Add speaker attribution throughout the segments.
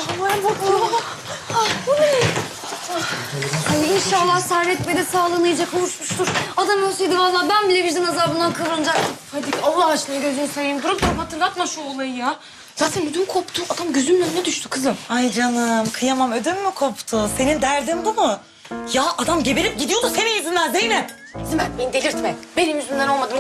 Speaker 1: Havaya bakıyor. Bu ne? Ay inşallah Servet Bey de sağlığına iyice kavuşmuştur. Adam ölseydi vallahi ben bile vicdan azabından kıvranacaktım.
Speaker 2: Hadi Allah aşkına gözünü seveyim. Durup hatırlatma şu olayı ya. Zaten ödüm koptu. Adam gözümün önüne düştü kızım.
Speaker 3: Ay canım kıyamam ödüm mü koptu? Senin derdin bu mu? Ya adam geberip gidiyordu senin yüzünden Zeynep.
Speaker 2: Zimet beni delirtme. Benim yüzümden olmadı.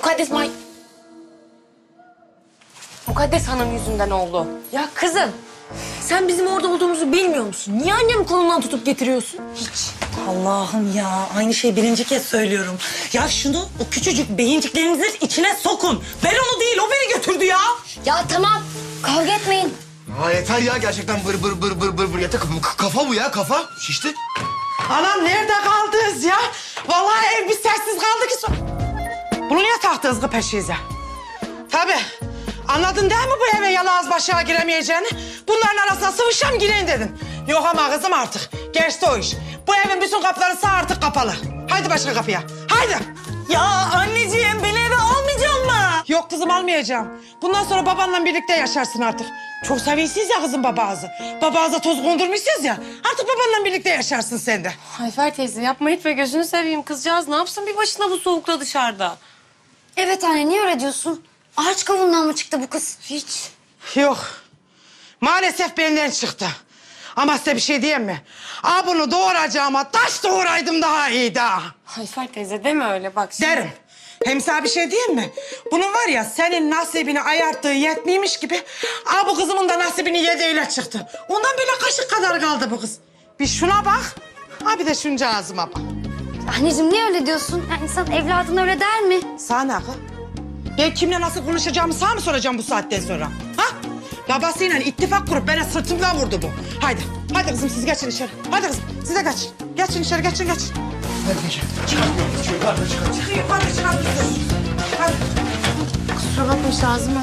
Speaker 2: Mukaddes Hanım yüzünden oldu.
Speaker 1: Ya kızım sen bizim orada olduğumuzu bilmiyor musun? Niye annemin kolundan tutup getiriyorsun?
Speaker 3: Hiç. Allah'ım ya aynı şeyi birinci kez söylüyorum. Ya şunu o küçücük beyinciklerinizin içine sokun. Ben onu değil o beni götürdü ya.
Speaker 1: Ya tamam kavga etmeyin.
Speaker 4: Aa, yeter ya gerçekten bır. Yeter kafa bu ya kafa. Şişti.
Speaker 5: Anam nerede kaldınız ya? Vallahi ev bir sessiz kaldı ki. Bunu niye taktınız kız peşinize? Tabii. Anladın değil mi bu eve yalağız başa giremeyeceğini? Bunların arasına sıvışam gireyim dedin. Yok ama kızım artık. Geçti o iş. Bu evin bütün kapıları sağ artık kapalı. Haydi başka kapıya. Haydi.
Speaker 3: Ya anneciğim beni eve almayacak mı?
Speaker 5: Yok kızım almayacağım. Bundan sonra babanla birlikte yaşarsın artık. Çok seviyorsunuz ya kızım babağızı. Babağıza toz kondurmuşsunuz ya. Artık babanla birlikte yaşarsın sen de.
Speaker 2: Ayfer teyze yapma etme gözünü seveyim. Kızcağız ne yapsın bir başına bu soğukta dışarıda?
Speaker 1: Evet anne niye öyle diyorsun? Ağaç kavuğundan mı çıktı bu kız?
Speaker 2: Hiç.
Speaker 5: Yok. Maalesef benden çıktı. Ama size bir şey diyeyim mi? Bunu doğuracağıma taş doğuraydım daha iyiydi ha.
Speaker 2: Ayfer teyze deme öyle bak. Şimdi.
Speaker 5: Derim. Hem sana bir şey diyeyim mi? Bunun var ya senin nasibini ayarttığı yetmiymiş gibi... Bu kızımın da nasibini yediğiyle çıktı. Ondan böyle kaşık kadar kaldı bu kız. Bir şuna bak. Bir de şunca ağzıma bak.
Speaker 1: Anneciğim niye öyle diyorsun? Yani insan evladına öyle der mi?
Speaker 5: Sana kız. Ben kimle nasıl konuşacağımı sana mı soracağım bu saatten sonra? Ha? Babasıyla ittifak kurup bana sırtımdan vurdu bu. Haydi. Hadi kızım siz geçin içeri. Hadi kızım siz de geçin. Geçin içeri geçin.
Speaker 4: Hadi geç. Yukarıda çıkar.
Speaker 5: Çıkın yukarı çıkın. Hadi.
Speaker 2: Kusura bakma lazım mı?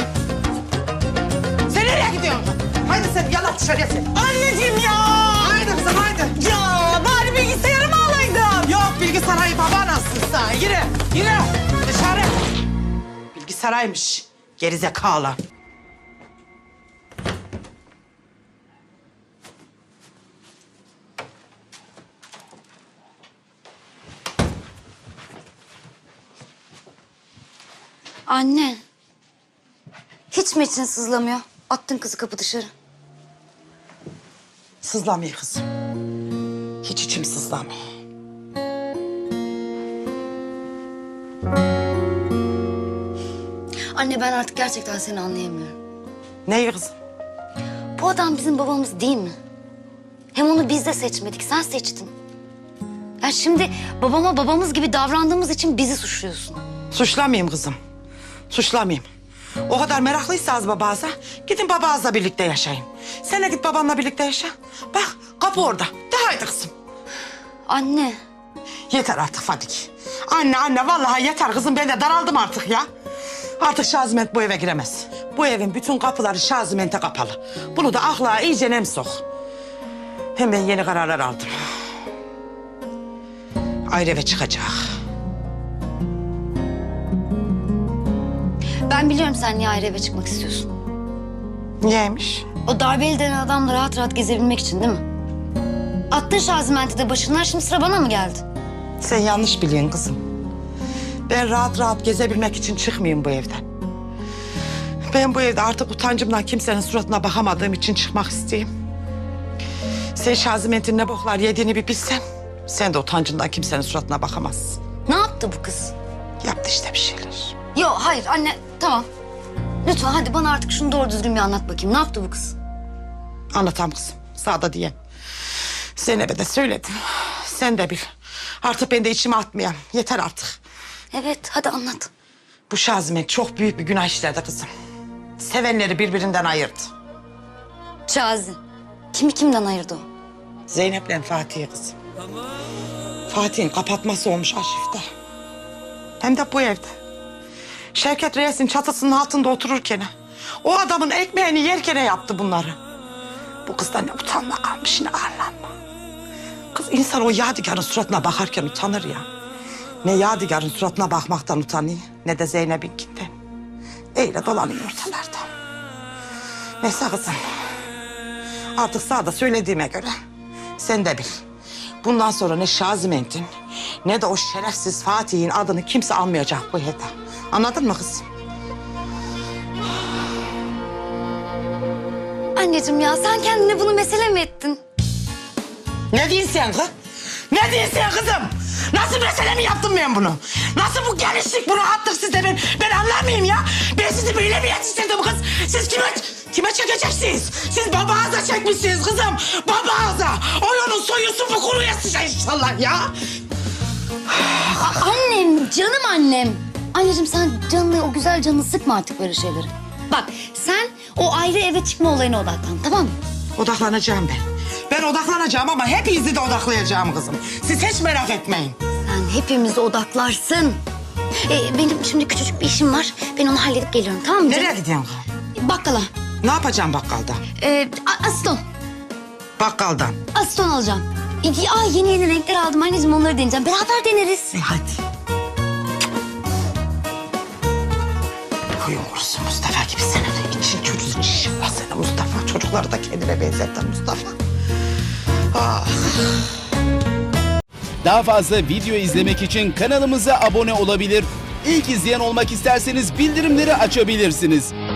Speaker 5: Sen nereye gidiyorsun? Haydi sen yalan dışarıya sen.
Speaker 3: Anneciğim ya.
Speaker 5: Haydi kızım haydi.
Speaker 3: Ya bari bilgisayarımı alaydım.
Speaker 5: Yok bilgisayarı baba nasılsın sen? Yürü dışarı. Bilgisayaraymış. Gerizekalı.
Speaker 1: Anne. Hiç mi için sızlamıyor? Attın kızı kapı dışarı.
Speaker 5: Sızlamıyor kızım. Hiç içim sızlamıyor.
Speaker 1: Anne ben artık gerçekten seni anlayamıyorum.
Speaker 5: Neyi kızım?
Speaker 1: Bu adam bizim babamız değil mi? Hem onu biz de seçmedik, sen seçtin. Ya şimdi babama babamız gibi davrandığımız için bizi suçluyorsun.
Speaker 5: Suçlamayayım kızım. Suçlamayayım. O kadar meraklıysanız babağıza gidin babağızla birlikte yaşayın. Sen de git babanla birlikte yaşa. Bak kapı orada. De haydi kızım.
Speaker 1: Anne.
Speaker 5: Yeter artık Fadik. Anne vallahi yeter kızım ben de daraldım artık ya. Artık Şaziment bu eve giremez. Bu evin bütün kapıları Şaziment'e kapalı. Bunu da akla iyice nem sok. Hem ben yeni kararlar aldım. Ayrı eve çıkacak.
Speaker 1: Ben biliyorum sen niye ayrı eve çıkmak istiyorsun.
Speaker 5: Niyeymiş?
Speaker 1: O darbeli denen adamla rahat rahat gezebilmek için değil mi? Attın Şaziment'i de başından şimdi sıra bana mı geldi?
Speaker 5: Sen yanlış biliyorsun kızım. Ben rahat rahat gezebilmek için çıkmayayım bu evden. Ben bu evde artık utancımdan kimsenin suratına bakamadığım için çıkmak isteyeyim. Sen Şaziment'in ne boklar yediğini bir bilsen... sen de utancından kimsenin suratına bakamazsın.
Speaker 1: Ne yaptı bu kız?
Speaker 5: Yaptı işte bir şeyler.
Speaker 1: Yok hayır anne tamam. Lütfen hadi bana artık şunu doğru düzgün bir anlat bakayım. Ne yaptı bu kız?
Speaker 5: Anlatam kızım, sağda diye. Zeynep'e de söyledim. Sen de bil. Artık ben de içime atmayayım. Yeter artık.
Speaker 1: Evet hadi anlat.
Speaker 5: Bu Şaziment çok büyük bir günah işledi kızım. Sevenleri birbirinden ayırdı.
Speaker 1: Şazi. Kimi kimden ayırdı o?
Speaker 5: Zeynep'le Fatih'e kızım. Fatih'in kapatması olmuş arşivde. Hem de bu evde. Şevket Reis'in çatısının altında otururken... o adamın ekmeğini yerken yaptı bunları. Bu kızda ne utanma kalmış ne arlanma. Kız insan o Yadigar'ın suratına bakarken utanır ya. Ne Yadigar'ın suratına bakmaktan utanıyor ne de Zeynep'inkinden. Öyle dolanıyor ortalarda. Neyse kızım. Artık sağda söylediğime göre sen de bil. Bundan sonra ne Şaziment'in ne de o şerefsiz Fatih'in adını kimse almayacak bu evde. Anladın mı kızım?
Speaker 1: Anneciğim ya sen kendine bunu mesele mi ettin?
Speaker 5: Ne diyorsun sen kız? Ne diyorsun sen kızım? Nasıl mesele mi yaptım ben bunu? Nasıl bu genişlik, bu rahatlık sizde ben anlamayayım ya. Ben sizi böyle mi yetiştirdim kız? Siz kime çekeceksiniz? Siz babağıza çekmişsiniz kızım. Babağıza. Oyunun soyusu bu kuruya sıçar inşallah ya.
Speaker 1: Annem, canım annem. Anneciğim sen canını, o güzel canını sıkma artık böyle şeyleri. Bak sen o ayrı eve çıkma olayına odaklan, tamam mı?
Speaker 5: Odaklanacağım ben. Ben odaklanacağım ama hepinizi de odaklayacağım kızım. Siz hiç merak etmeyin.
Speaker 1: Sen hepimizi odaklarsın. Benim şimdi küçücük bir işim var. Ben onu halledip geliyorum, tamam mı?
Speaker 5: Nereye gidiyorsun kız?
Speaker 1: Bakkala.
Speaker 5: Ne yapacağım bakkalda?
Speaker 1: Aston.
Speaker 5: Bakkaldan.
Speaker 1: Aston alacağım. Yeni renkler aldım anneciğim, onları deneyeceğim. Beraber deneriz.
Speaker 5: Hadi. Huyum kurusun Mustafa gibi sen de için çürüsün inşallah sana Mustafa. Çocukları da kendine benzetten Mustafa. Ah.
Speaker 6: Daha fazla video izlemek için kanalımıza abone olabilir. İlk izleyen olmak isterseniz bildirimleri açabilirsiniz.